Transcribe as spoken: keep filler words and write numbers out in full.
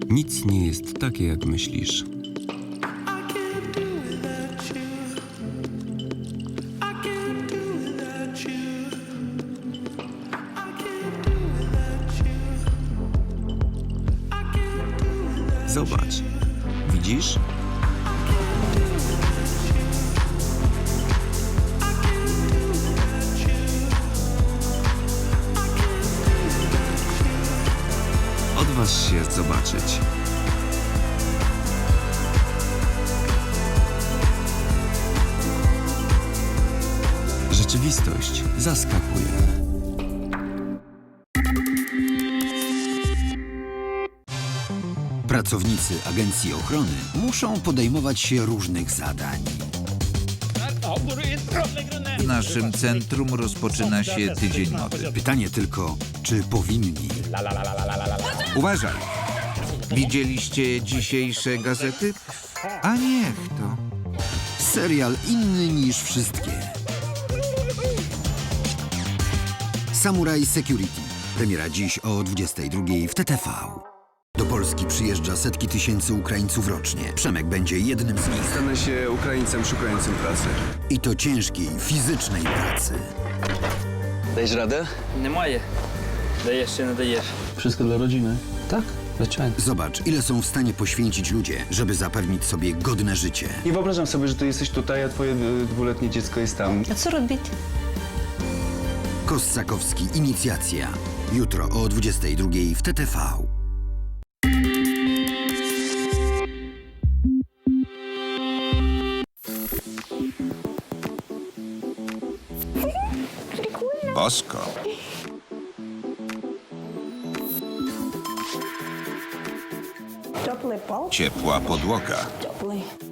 Nic nie jest takie, jak myślisz. Zobacz. Widzisz? Odważ się zobaczyć. Rzeczywistość zaskakuje. Pracownicy agencji ochrony muszą podejmować się różnych zadań. W naszym centrum rozpoczyna się tydzień mody. Pytanie tylko, czy powinni? Uważaj! Widzieliście dzisiejsze gazety? A niech to. Serial inny niż wszystkie. Samurai Security. Premiera dziś o dwudziestej drugiej w T T V. Do Polski przyjeżdża setki tysięcy Ukraińców rocznie. Przemek będzie jednym z nich. Stanę się Ukraińcem szukającym pracy. I to ciężkiej, fizycznej pracy. Dajesz radę? Немає. Даєш чи не даєш. Wszystko dla rodziny? Tak, zwyczajnie. Zobacz, ile są w stanie poświęcić ludzie, żeby zapewnić sobie godne życie. Nie wyobrażam sobie, że ty jesteś tutaj, a twoje y, dwuletnie dziecko jest tam. A co robić? Kossakowski, Inicjacja. Jutro o dwudziestej drugiej w T T V. Bosko. Теплий пол, Ciepła podłoga. теплий.